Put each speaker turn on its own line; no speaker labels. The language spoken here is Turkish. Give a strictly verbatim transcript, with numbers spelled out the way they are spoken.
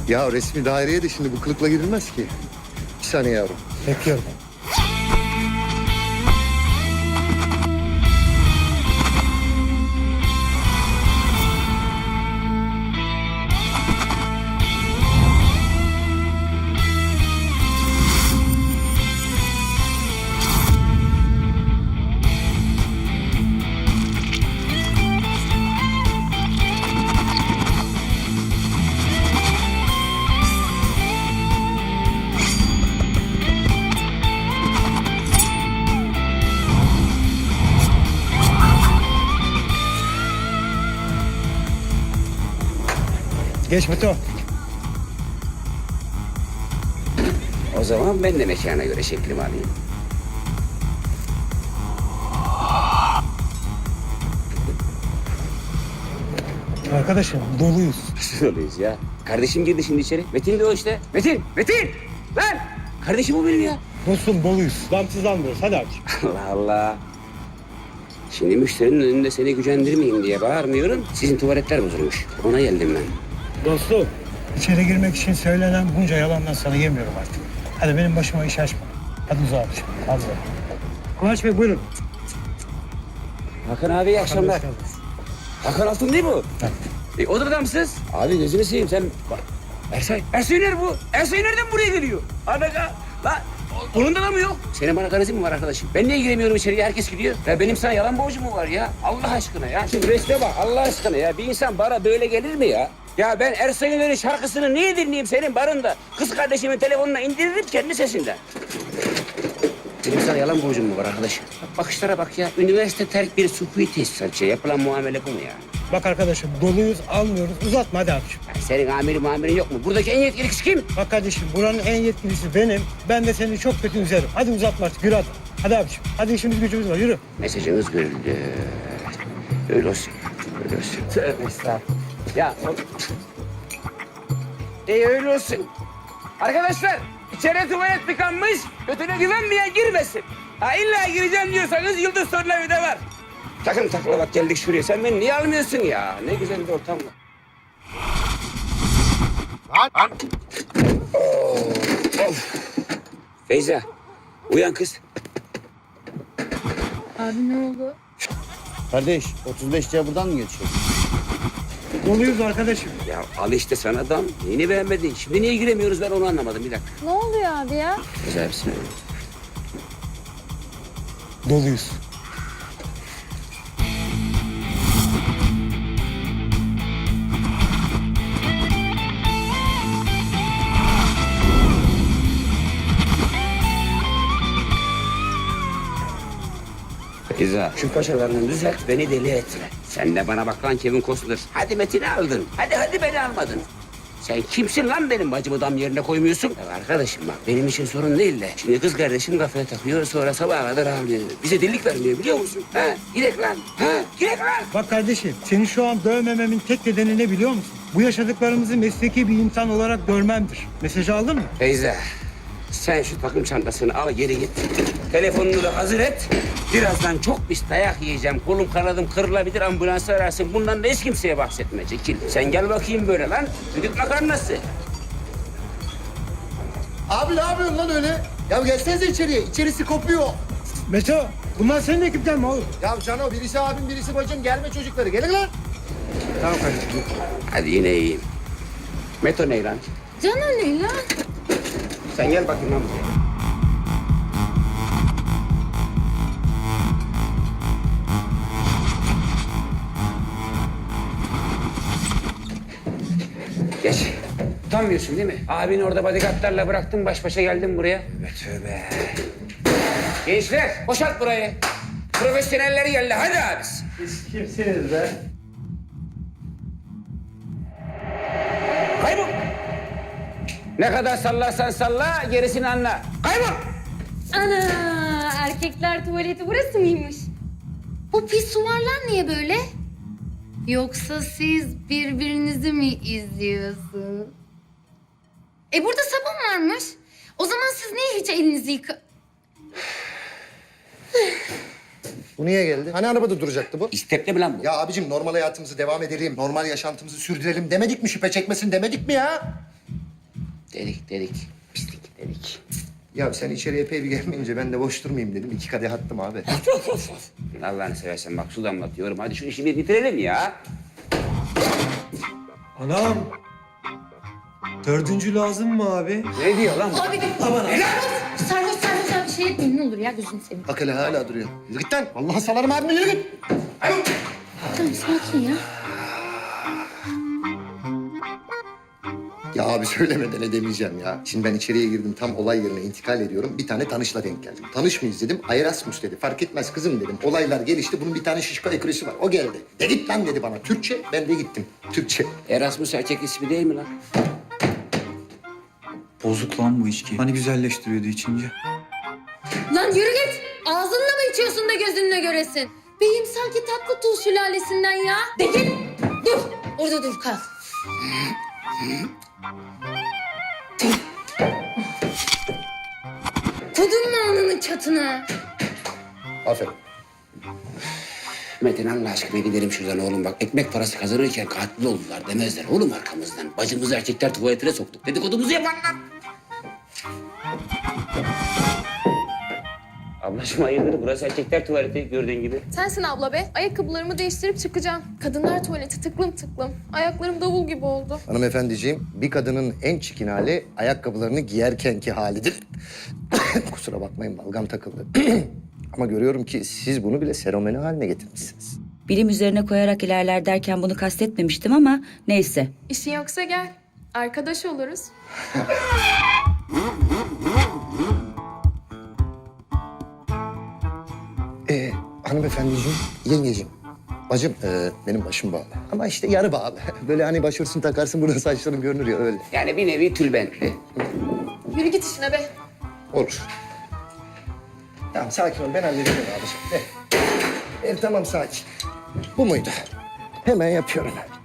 Ya resmi daireye de şimdi bu kılıkla girilmez ki. Bir saniye yavrum.
Bekliyorum. Geç Meto.
O zaman ben de mekana göre şeklimi alayım.
Arkadaşım doluyuz.
Nasıl oluyoruz ya? Kardeşim girdi şimdi içeri. Metin de o işte. Metin! Metin! Lan! Kardeşim o benim ya.
Dostum doluyuz. Damsız almıyoruz. Hadi aç.
Allah Allah. Şimdi müşterinin önünde seni gücendirmeyeyim diye bağırmıyorum. Sizin tuvaletler bozulmuş. Ona geldim ben.
Dostum. İçeri girmek için söylenen bunca yalandan sana yemiyorum artık. Hadi benim başıma iş açma. Hadi uzağa abiciğim. Hadi uzağa. Kıvanç Bey buyurun.
Hakan abi iyi akşamlar.
Hoş geldiniz.
Hakan Altun değil mi bu? E, o da adamsız. Abi gözünü seveyim sen. Bak. Ersay. Ersay nerede bu? Ersay nereden buraya geliyor? Adaka. Lan onun da mı yok? Senin bana garezin mi var arkadaşım? Ben niye giremiyorum içeriye? Herkes gidiyor. Ya benim sana yalan borcum mu var ya? Allah aşkına ya. Şimdi resme bak Allah aşkına ya. Bir insan bara böyle gelir mi ya? Ya ben Ersay'ın şarkısını niye dinleyeyim senin barında? Kız kardeşimin telefonuna indiririm kendi sesinden. Benim sana yalan borcum mu var arkadaşım? Bak bakışlara bak ya. Üniversite terk bir sukuyu tesisatçı. Yapılan muamele bu mu ya?
Bak arkadaşım doluyuz almıyoruz. Uzatma hadi abiciğim.
Ya senin amirin muamirin yok mu? Buradaki en yetkili kişi kim?
Bak kardeşim buranın en yetkilisi benim. Ben de seni çok kötü üzerim. Hadi uzatma artık yürü hadi. Hadi abiciğim. Hadi işimiz gücümüz var yürü.
Mesajınız görüldü. Öyle olsun. Öyle olsun. Tövbe estağfurullah. Ya o... İyi öyle olsun. Arkadaşlar içeri tuvalet tıkanmış. Götüne güvenmeyen girmesin. Ha illa gireceğim diyorsanız Yıldız Tornavida'da var. Takım takla bak geldik şuraya. Sen beni niye almıyorsun ya? Ne güzel bir ortam var. Lan! Oh, of. Feyza, uyan kız.
Abi ne oldu?
Kardeş, otuz beş C buradan mı geçiyor?
Doluyuz arkadaşım.
Ya al işte sana adam. Neyini beğenmedin? Şimdi niye giremiyoruz ben onu anlamadım. Bir dakika.
Ne oluyor abi ya?
Güzel bir şey.
Doluyuz.
Feyza, şu paşalarını düzelt, beni deli etme. Sen de bana bak lan Kevin Costner. Hadi Metin'i aldın. Hadi hadi beni almadın. Sen kimsin lan benim bacımı dam yerine koymuyorsun? Ya arkadaşım bak benim için sorun değil de. Şimdi kız kardeşim kafaya takıyor sonra sabaha kadar ağlıyor. Bize dillik vermiyor biliyor musun? Ha? Girek lan. Ha? Girek lan.
Bak kardeşim seni şu an dövmememin tek nedeni ne biliyor musun? Bu yaşadıklarımızı mesleki bir insan olarak görmemdir. Mesajı aldın mı?
Feyza, sen şu takım çantasını al geri git. Telefonunu da hazır et. Birazdan çok pis dayak yiyeceğim. Kolum kanadım kırılabilir ambulansı ararsın. Bundan da hiç kimseye bahsetme Çekil. Sen gel bakayım böyle lan. Düdük makarnası.
Abi ne yapıyorsun lan öyle? Ya gelsenize içeriye. İçerisi kopuyor.
Meto bunlar senin ekipten mi oğlum?
Ya Cano birisi abim birisi bacım. Gelme çocukları. Gelin lan.
Tamam kardeşim.
Hadi yine iyiyim. Meto ne lan?
Can ne lan?
Sen gel bakayım lan buraya. Geç. Utanmıyorsun değil mi? Abini orada bodyguardlarla bıraktın, baş başa geldin buraya. Tövbe tövbe. Gençler, boşalt burayı. Profesyoneller geldi, hadi abisi.
Siz kimsiniz be?
Kaybol. Ne kadar sallarsan salla, gerisini anla. Kaybol.
Ana erkekler tuvaleti burası mıymış? Bu pisuvarlar niye böyle? Yoksa siz birbirinizi mi izliyorsunuz? E burada sabun varmış. O zaman siz niye hiç elinizi yıka...
Bu niye geldi? Hani arabada duracaktı bu?
İstepli mi lan bu?
Ya abicim normal hayatımızı devam edelim, normal yaşantımızı sürdürelim demedik mi? Şüphe çekmesin demedik mi ya?
Dedik dedik. Pislik dedik.
Ya sen içeriye epey bir gelmeyince ben de boş durmayayım dedim. İki kadeh attım abi.
Allah'ını seversen bak su damlatıyorum. Hadi şu işi bir bitirelim ya.
Anam. Dördüncü lazım mı abi?
Ne diyor lan bu?
Abi bir sarhoş sarhoş abi şey etmeyin ne olur ya gözünü seveyim.
Bak hele hala duruyor. Yürü git lan. Vallahi salarım abime yürü git.
Tamam sakin ya.
Ya abi söylemeden edemeyeceğim ya. Şimdi ben içeriye girdim, tam olay yerine intikal ediyorum. Bir tane tanışla denk geldim. Tanış mıyız dedim, Erasmus dedi. Fark etmez kızım dedim. Olaylar gelişti, bunun bir tane şişko ekrüsü var. O geldi. De git lan dedi bana. Türkçe, ben de gittim. Türkçe.
Erasmus erkek ismi değil mi lan?
Bozuk lan bu içki. Hani güzelleştiriyordu içince.
Lan yürü git. Ağzınla mı içiyorsun da gözünle göresin? Beyim sanki tatlı tuğ sülalesinden ya. De git. Dur. Orada dur kal. Kudun mu alnının çatına?
Aferin.
Metin Allah aşkına gidelim şuradan oğlum bak. Ekmek parası kazanırken katil oldular demezler oğlum arkamızdan. Bacımızı erkekler tuvaletine soktuk. Dedikodumuzu yaparlar. Ablacığım hayırdır? Burası erkekler tuvaleti gördüğün gibi.
Sensin abla be. Ayakkabılarımı değiştirip çıkacağım. Kadınlar tuvaleti tıklım tıklım. Ayaklarım davul gibi oldu.
Hanımefendiciğim, bir kadının en çirkin hali ayakkabılarını giyerkenki halidir. Kusura bakmayın, balgam takıldı. Ama görüyorum ki siz bunu bile seromeni haline getirmişsiniz.
Bilim üzerine koyarak ilerler derken bunu kastetmemiştim ama neyse.
İşin yoksa gel. Arkadaş oluruz.
Ee, hanımefendiciğim, yengeciğim. Bacım, e, benim başım bağlı. Ama işte yarı bağlı. Böyle hani başörtüsünü takarsın, burada saçların görünür ya öyle.
Yani bir nevi tülbentli.
Yürü git işine be.
Olur. Tamam, sakin ol. Ben hallederim abiciğim. De. Evet, tamam, sakin. Bu muydu? Hemen yapıyorum.